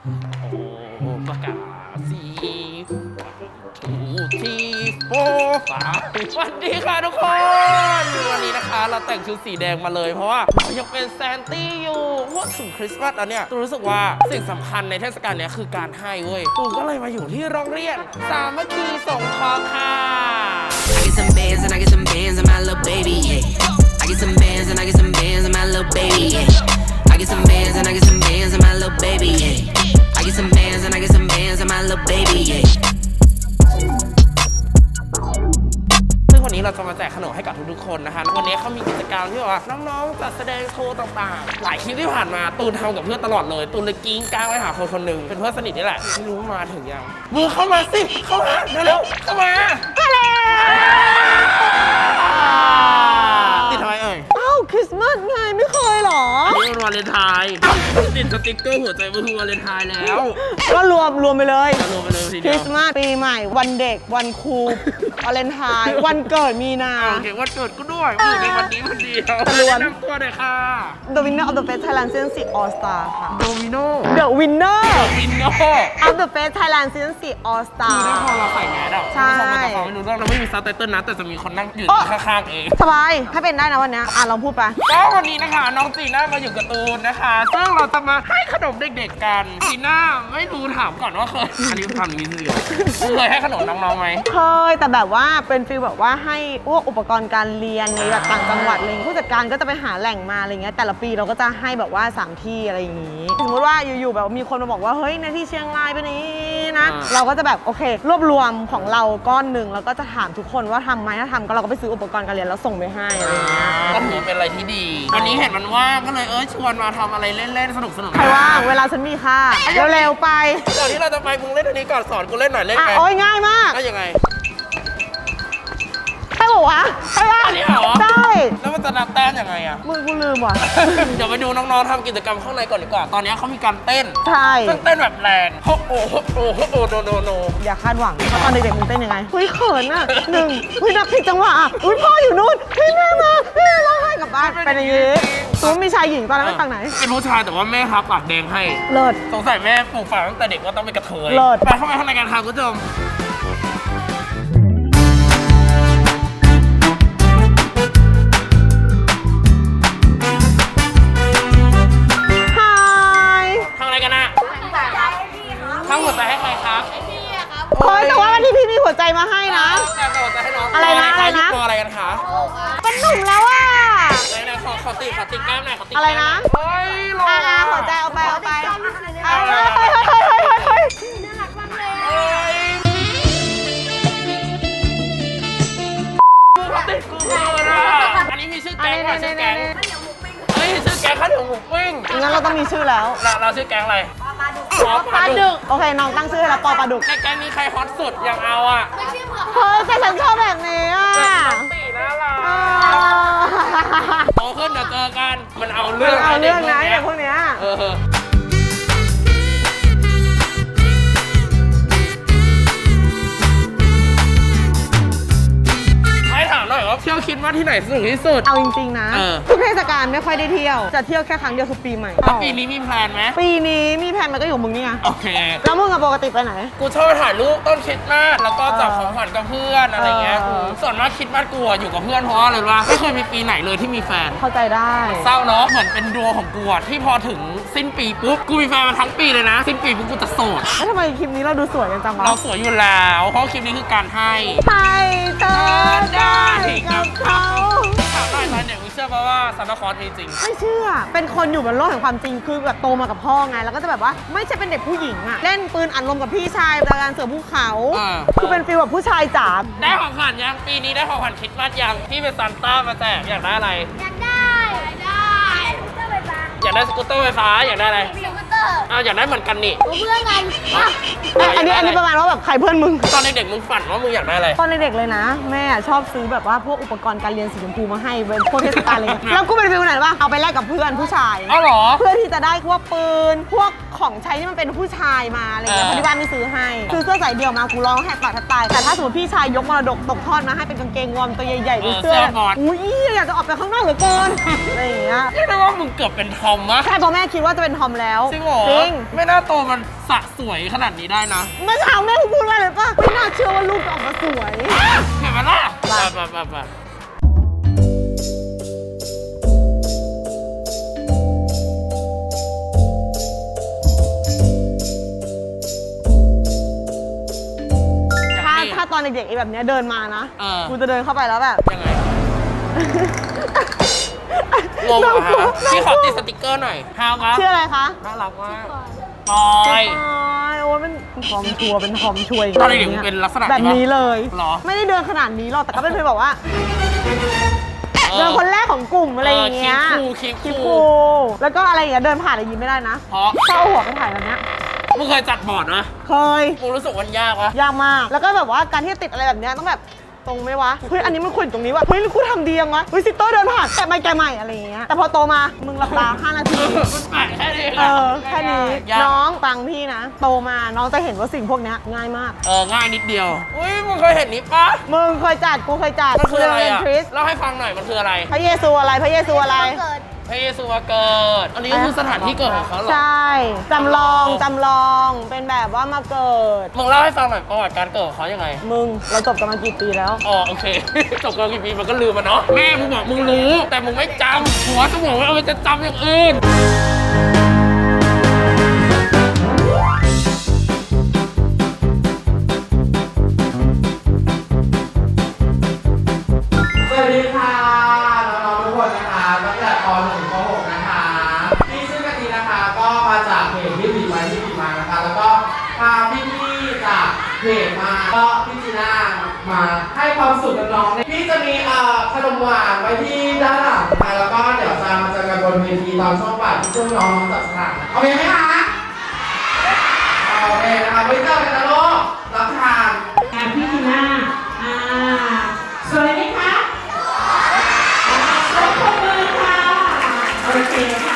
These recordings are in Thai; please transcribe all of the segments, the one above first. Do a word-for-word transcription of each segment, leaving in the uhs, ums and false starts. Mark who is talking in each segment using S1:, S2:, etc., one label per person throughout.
S1: โอ้ประกาศสี่ทูทีโฟสามสวัสดีค่ะทุกคนวันนี้นะคะเราแต่งชุดสีแดงมาเลยเพราะว่าเรายังเป็นแซนตี้อยู่พูดถึงคริสต์มาสแล้วเนี่ยตูรู้สึกว่าสิ่งสำคัญในเทศกาลนี้คือการให้เว้ยตูก็เลยมาอยู่ที่โรงเรียนสามัคคีสงเคราะห์ค่ะ
S2: I get some bands and I get some bands and my little baby, yeah. I get some bands and I get some bands and my little baby, yeah. I get some bands and I get some bands and my little baby, yeah. I get some bands and I get some bands and my little baby, yeah.
S1: ซึ่งวันนี้เราจะมาแจกขนมให้กับทุกๆคนนะคะวันนี้เขามีกิจกรรมที่แบบว่าน้องๆจัดแสดงโชว์ต่างๆหลายคลิปที่ผ่านมาตูนทำกับเพื่อนตลอดเลยตูนเลยกิ้งก้างไปหาคนคนหนึ่งเป็นเพื่อนสนิทนี่แหละไม่รู้มาถึงยังมือเข้ามาสิเข้ามาเร็วๆเข้ามาติดทำไมเอ่ย
S3: อ้าวคริสต์มาสไงไม่เคยเหรอ
S1: อันนี้มันวาเลนไทน์ติดสติ๊กเกอร์หัวใจมันคือวาเลนไทน์แล้ว
S3: ก็รวมรวมไปเลย
S1: รวมไปเลยที
S3: ค
S1: เดี
S3: ริ
S1: ยว
S3: สต์มาสปีใหม่ วันเด็กวันครูวาเลนไทน์วันเกิดมีนา
S1: โอเควันเกิดกูด้วยมือในวันนี้วันเดียว
S3: ตะลวน
S1: แนะนำตัวหน่อยค่ะ
S3: The winner of the Fest Thailand Season สี่ All Star ค่ะ
S1: โดมิโน
S3: The winner
S1: วินโน
S3: of the Fest Thailand Season สี่ All
S1: คือ
S3: Star
S1: ถ้าพอเราใส่แมสอ่ะ
S3: ใช่
S1: คุณผู้ชมมันจะฟังไม่รู้เรื่องเราไม่มีซับไตเติลนะแต่จะมีคนนั่งอยู่
S3: โอ๊ะ
S1: ข้างๆเอง
S3: สบายถ้าเป็นได้นะวันเนี้ยอ่ะลองพูดไป
S1: ก็วันนี้นะคะน้องจีน่ามาอยู่กับตูนนะคะซึ่งเราจะมาให้ขนมเด็กๆกันจีน่าไม่รู้ถามก่อนว่าเคยอันนี้ทำนี้สิเคยให้ขนมน้องๆไหม
S3: เคยแต่แบบว่าเป็นฟีลแบบว่าให้พวกอุปกรณ์การเรียนในแบบต่างจังหวัดอะไรอย่างเงี้ยผู้จัดการก็จะไปหาแหล่งมาอะไรเงี้ยแต่ละปีเราก็จะให้แบบว่าสามที่อะไรอย่างงี้สมมติว่าอยู่ๆแบบมีคนมาบอกว่าเฮ้ยในที่เชียงรายเป็นอย่างนี้นะเราก็จะแบบโอเค รวบรวมของเราก้อนหนึ่งแล้วก็จะถามทุกคนว่าทำไหมถ้าทำก็เราก็ไปซื้ออุปกรณ์การเรียนแล้วส่งไปให้อะไรอย่างเงี้ย
S1: ก็ถือเป็นอะไรที่ดีวันนี้เห็นมันว่างก็เลยเออชวนมาทำอะไรเล่นๆสนุกๆ
S3: ใครว่างเวลาฉันมีค่ะเร็วๆไป
S1: ก่อนที่เราจะไปมึงเล่นอันนี้ก่อนสอนกูเล่นหน่อยเล่น
S3: อ่ะ
S1: ไหม
S3: โอ้ยง่ายมาก
S1: ก็ยังไง
S3: ใช่บอกวะใช่ป่ะ
S1: อันนี้เหรอ
S3: ใช่
S1: แล้วมันจะนับแต้มยังไงอะ
S3: มึงกูลืมว่ะ
S1: เดี๋ยวไปดูน้องๆทำกิจกรรมข้างในก่อนดีกว่า ตอนนี้เขามีการเต้น
S3: ใช่
S1: ซึ่งเต้นแบบแรงโฮโอโฮโอโฮโอโนโนโน
S3: อย่าคาดหวังว่าตอนเด็กๆมึงเต้นยังไงเฮ้ยเขินอ่ะหนึ่งเฮ้ยนับผิดจังหวะอ่ะอุ้ยพ่ออยู่นู่นเฮ้ยแม่มาแม่ร้องไห้กลับบ้านเป็นอย่างงี้ตูมีชายหญิงตอนนั้นเป็นฝั่งไหน
S1: เป็นผู้ชายแต่ว่าแม่ทับปากแดงให้
S3: เลิศ
S1: สงสัยแม่ปลูกฝังตั้งแต่เด็กว่าต้องเป็นกระเทย
S3: เลิศ
S1: ไปเข้าไปข้างในกันค่ะคุณผู้ชม
S3: ฮาย
S1: ทำอะไรกันอะทำหัวใจให้ใครครับ
S3: เฮ้ยแต่ว่าวันนี้พี่มีหัวใจมาให้นะ
S1: แกเป็นหัวใจให้น้อง
S3: อะไรนะอะไรนะ
S1: ตัวอะไรกันคะ
S3: เป็นหนุ่มแล้วอ่ะ
S1: ไหนๆขอขอติขอติแก้มหน่อยขอติ
S3: อะไรนะ
S1: เฮ้ยหล่อ
S3: อ่าหัวใจเอาไปเอาไปเอา
S1: เอา
S3: ไป
S1: เลย
S3: เฮ้ยเฮ้ยเฮ้ยเฮ้ยเฮ้ย
S1: เฮ้ยกูขอติกูเกินอะอันนี้มีชื่อแก๊งว่ะชื่อแก๊งเฮ้ยชื่อแก๊งข้าวเหนียวหมูปิ้ง
S3: งั้นเราต้องมีชื่อแล้ว
S1: เราเราชื่อแก๊งอะไรปอ
S3: ปลาดุกโอเคน้องตั้งชื่อให้แล้วปอปลาดุก
S1: ในแก๊งนี้ใครฮอตสุดยังเอาอ่ะ
S3: เฮ้ยแต่ฉันชอบแบบนี้อ่ะ
S1: ตีน่ารัก
S3: เออ
S1: โตขึ้นเดี๋ยวเจอกันมันเอาเรื่อง
S3: เอาเรื่องนะ
S1: ได็
S3: เด็
S1: ก
S3: ก
S1: พ
S3: พ
S1: ว
S3: ว
S1: ก
S3: ก
S1: เนี้ย
S3: เนี้ย
S1: เออให้ถามหน่อยว่าเที่ยวคิดว่าที่ไหนสนุกที่สุด
S3: เอาจริงๆนะ
S1: เออ
S3: ทุกเทศกาลไม่ค่อยได้เที่ยว จะเที่ยวแค่ครั้งเดียวคือปีใหม่
S1: แล้วปีนี้มีแพลนไหม
S3: ปีนี้มีแผนมันก็อยู่มึงนี่ไง
S1: โอเค
S3: แล้วมึงอะปกติไปไหน
S1: กูชอบไปถ่ายรูปต้นคริสต์มาสแล้วก็จับของขวัญกับเพื่อนอะไรเงี้ย
S3: เออ
S1: ส่วนมากคริสต์มาสกูอะอยู่กับเพื่อนเพราะอะไรวะไม่เคยมีปีไหนเลยที่มีแฟน
S3: เข้าใจได้
S1: เศร้าเนาะเหมือนเป็นดวงของกูอะที่พอถึงสิ้นปีปุ๊บกูมีแฟนมาทั้งปีเลยนะ สิ้นปีปุ๊บกูจะโสด
S3: แล้วทำไมคลิปนี้เราดูสวยกันจังวะ
S1: เราสวยอยู่แล้วเพราะคลิปนี้คือการให้
S3: ให้เธอได้กับเขา
S1: ถามหน่อยตอนเด็กมึงเชื่อป่ะว่าซานตาคลอสมีจริง
S3: ไม่เชื่อ เป็นคนอยู่บนโลกแห่งความจริง คือแบบโตมากับพ่อไง แล้วก็จะแบบว่าไม่ใช่เป็นเด็กผู้หญิงอะเล่นปืนอัดลมกับพี่ชายจากการเสือภูเขา
S1: อ่า
S3: คือเป็นฟีลแบบผู้ชายจ๋า
S1: ได้ของขวัญยังปีนี้ได้ของขวัญคริสต์มาสยังพี่เป็นซานต้ามาแจกอยากได้อะไร
S4: อยากได้อยากได้สกูตเตอร์ไฟฟ้า
S1: อยากได้สกูตเตอร์ไฟฟ้าอยากได้อะไร
S4: สกูตเตอร์
S1: อ้าวอยากได้เหมือนกันนี่
S4: เพื่อนกันอ่ะ
S3: เอ้ยอันนี้อันนี้ประมาณว่าแบบใครเพื่อนมึง
S1: ตอนเด็กๆมึงฝันว่ามึงอยากได้อะไร
S3: ตอนเด็กๆเลยนะ แม่ชอบซื้อแบบว่าพวกอุปกรณ์การเรียนสีชมพูมาให้เป็นพวกเทศกาลอะไรเงี้ยแล้วกูเป็นฟิลไหนวะเอาไปแลกกับเพื่อนผู้ชาย
S1: อ้าวเหรอ
S3: เพื่อที่จะได้พวกปืน พวกของใช้ที่มันเป็นผู้ชายมาอะไรเงี้ย
S1: เออ
S3: เพราะที่บ้านไม่ซื้อให้ซื้อเสื้อสายเดี่ยวมากูร้องแหกปากแทบตายแต่ถ้าสมมติพี่ชายยกมรดกตกทอดมาให้เป็นกางเกงวอร์มตัวใหญ่ๆเป็นเสื้ออุ้ยอยากจะออกไปข้างนอกเหลือเกินอะไรอย่างเงี้ย
S1: เรียกได้ว่ามึงเกือบเป็นทอมมะ
S3: ใช่เพราะแม่คิดว่าจะเป็นทอมแล้ว
S1: จริงเหรอ
S3: จริง
S1: ไม่น่าโตมันสะสวยขนาดนี้ได้นะ
S3: เมื่อเช้าแม่กูพูดว่าอะไรปะไม่น่าเชื่อว่าลูกจะออกมาสวย
S1: เห็นไหมล่ะ
S3: ไป
S1: ไปไปไป
S3: ถ้าถ้าตอนเด็กๆไอ้แบบเนี้ยเดินมานะ
S1: เออ
S3: กูจะเดินเข้าไปแล้วแบบ
S1: ยังไงงงเหรอฮะพี่ขอติดสติกเกอร์หน่อยฮาวครับ
S3: ชื่ออะไรคะ
S1: น่ารักมากปอย
S3: ปอยโอ้ยเป็นทอมชัวร์เป็นทอมช่วย
S1: ตอนเด็กๆเป็นลักษณะ
S3: แบบนี้เลย
S1: หรอ
S3: ไม่ได้เดินขนาดนี้หรอกแต่ก็เป็นแบบว่า เดินคนแรกของกลุ่มอะไรอย่างเงี้ย
S1: คลิปคูคลิป
S3: คลิป
S1: คู
S3: คูแล้วก็อะไรอย่างเงี้ยเดินผ่านอะไรยิ้มไม่ได้นะ
S1: เพราะ
S3: ถ้าเอาหัวไปถ่ายแบบเนี้ย
S1: มึงเคยจัดบอร์ดนะ
S3: เคย
S1: กูรู้สึกวันยากวะ
S3: ยากมาก แล้วก็แบบว่าการที่จะติดอะไรแบบเนี้ยต้องแบบตรงไหมวะ เฮ้ยอันนี้มันควรอยู่ตรงนี้วะ เฮ้ยกูทำดียังวะ เฮ้ยซิโต้เดินผ่านแกะไม่แกะใหม่อะไรอย่างเงี้ย แต่พอโตมามึงหลับตาห้านาที
S1: มันแปลกแค่นี้
S3: เออแค่นี้
S1: ยาก
S3: น้องฟังพี่นะ โตมาน้องจะเห็นว่าสิ่งพวกเนี้ยง่ายมาก
S1: เออง่ายนิดเดียว อุ้ยมึงเคยเห็นนี้ปะ
S3: มึงเคยจัดกูเคยจัด
S1: มันคืออะไร
S3: เรียน
S1: อ่ะ
S3: ทริส
S1: เล่าให้ฟังหน่อยมันคืออะไร
S3: พระเยซูอะไรพระเยซูอะไร
S4: เกิด
S1: พระเยซูมาเกิด อันนี้ก็คือสถานที่เกิดของเขาเหรอ
S3: ใช่จำลองจำลองเป็นแบบว่ามาเกิด
S1: มึงเล่าให้ฟังหน่อยประวัติการเกิดของเขายังไง
S3: มึงเราจบกันมากี่ปีแล้ว
S1: อ๋อโอเค จบกันกี่ปีมันก็ลืมมาเนาะ แม่มึงบอกมึงรู้ แต่มึงไม่จำหัวสมองมันเอาไปจะจำอย่างอื่น
S5: สวัสดีค่ะน้องๆทุกคนนะคะตั้งแต่ป .หนึ่ง ถึงป .หก นะคะพี่ชื่อกะทินะคะก็มาจากเพจที่ผีไว้ที่ผีมานะคะ แล้วก็พาพี่ๆจากเพจมาก็พี่จีน่ามาให้ความสุขกับน้องๆพี่จะมีเอ่อขนมหวานไว้ที่ด้านหลังนะคะแล้วก็เดี๋ยวจะมาเจอกันบนเวทีตอนช่วงบ่ายที่ช่วงน้องๆจับฉลากโอเคไหมคะโอเคนะคะไว้เจอกันนะลูกรับทาน
S6: อ่าพี่จีน่าอ่าสวยไหมคะสวยขอบมือค่ะ โอเคค่ะ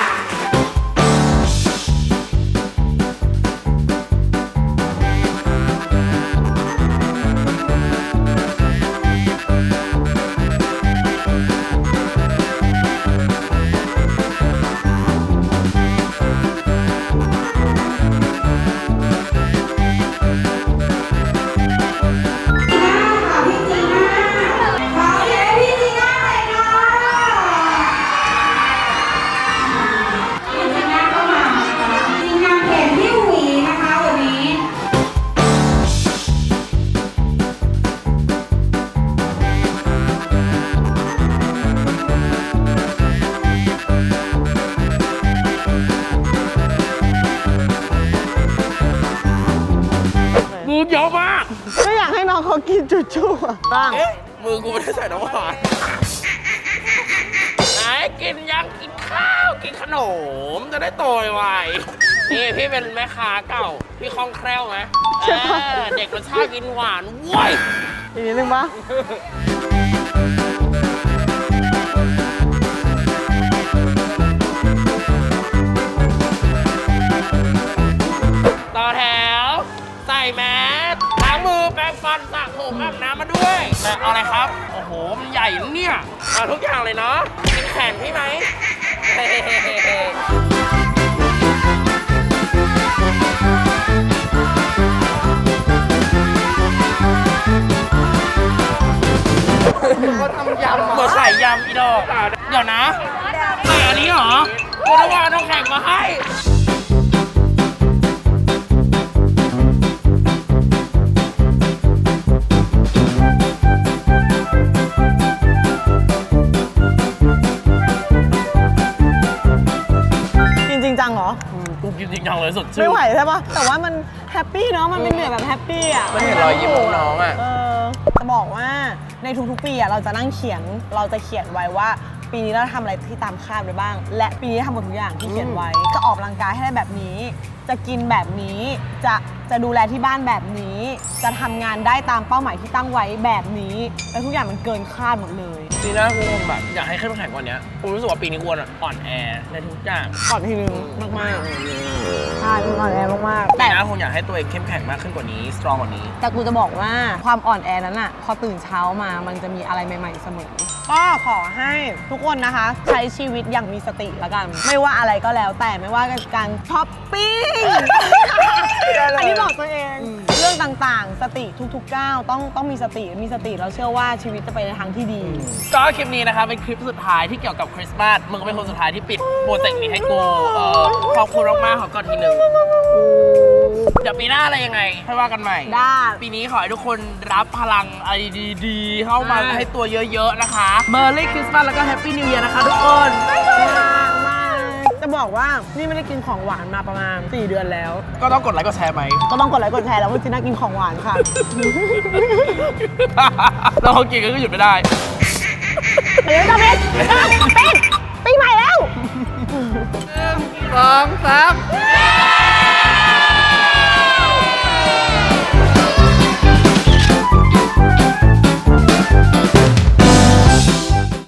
S1: มือเยอะมาก
S3: ก็อยากให้น้องเขากินจุ่ๆอะบ้าง
S1: เอ๊ะ มือกูไม่ได้ใส่น้ำหวานไหนกินยังกินข้าว กินขนม จะได้โตไวๆนี่พี่เป็นแม่ค้าเก่า พี่คล่องแคล่วไหม
S3: ใช่ปะ
S1: เออเด็กมันชอบกินหวานเว้ย
S3: อีกนิดนึงปะ
S1: ต่อแถว ใส่แมสล้างมือแปรงฟันสระผมอาบน้ำมาด้วยแต่เอาอะไรครับ โอ้โห มันใหญ่นะเนี่ยเอาทุกอย่างเลยเนาะกินแขนพี่ไหม
S3: เขาทำยำ
S1: เหมือนไข่ยำอีดอกเดี๋ยวนะใส่อันนี้เหรอกูต้องว่าต้องแข่งมาให้
S3: กินจริงจังเหรอ
S1: กูกินจริงจังเลยสดชื่น
S3: ไม่ไหวใช่ปะแต่ว่ามันแฮปปี้เนาะ มันเป็นเหนื่อยแบบแฮปปี้อ่ะ
S1: มันเห็นรอยยิ้มของน้องอะ
S3: เออจะบอกว่าในทุกๆปีอ่ะเราจะนั่งเขียน เราจะเขียนไว้ว่า ปีนี้เราทำอะไรที่ตามคาดไปบ้าง และปีนี้ทำหมดทุกอย่างที่เขียนไว้ จะออกกำลังกายให้ได้แบบนี้ จะกินแบบนี้ จะจะดูแลที่บ้านแบบนี้ จะทำงานได้ตามเป้าหมายที่ตั้งไว้แบบนี้ แล้วทุกอย่างมันเกินคาดหมดเลย
S1: ปีหน้ากูแบบอยากให้เข้มแข็งกว่านี้กูรู้สึกว่าปีนี้กูอ่อนแอในทุกอย่าง
S3: ก่อนทีนึงมากๆใช่อ่อนแอมากๆ
S1: ปี
S3: แต่
S1: หน้าคงอยากให้ตัวเองเข้มแข็งมากขึ้นกว่านี้สตรองกว่านี้
S3: แต่กูจะบอกว่าความอ่อนแอนั้นอะพอตื่นเช้ามามันจะมีอะไรใหม่ๆเสมอ ก็ขอให้ทุกคนนะคะ ใช้ชีวิตอย่างมีสติละกัน ไม่ว่าอะไรก็แล้วแต่ไม่ว่าการช้อปปิ้ง อันนี้บอกตัวเอง เรื่องต่างๆ สติทุกๆก้าวต้องต้องมีสติมีสติเราเชื่อว่าชีวิตจะไปในทางที่ดี
S1: ก็คลิปนี้นะคะเป็นคลิปสุดท้ายที่เกี่ยวกับคริสต์มาสมึงก็เป็นคนสุดท้ายที่ปิดโปรเจกต์นี้ให้กูเออขอบคุณมากๆขอก่อนทีหนึ่งเดี๋ยวปีหน้าอะไรยังไงค่อยว่ากันใหม่
S3: ได้
S1: ปีนี้ขอให้ทุกคนรับพลังอะไรดีๆ เข้ามาให้ตัวเยอะๆนะคะ Merry Christmas แล้วก็ Happy New Year นะคะทุกคน
S3: จะบอกว่านี่ไม่ได้กินของหวานมาประมาณสี่เดือนแล้ว
S1: ก็ต้องกดไลค์กดแชร์ไหม
S3: ก็ต้องกดไลค์กดแชร์แล้วว่าจีน่ากินของหวานค่ะ
S1: แล้วเขากินก็หยุดไม่ได้
S3: เดี๋ยวจะเป็นเป็นปีใหม่แล้ว
S1: สองสาม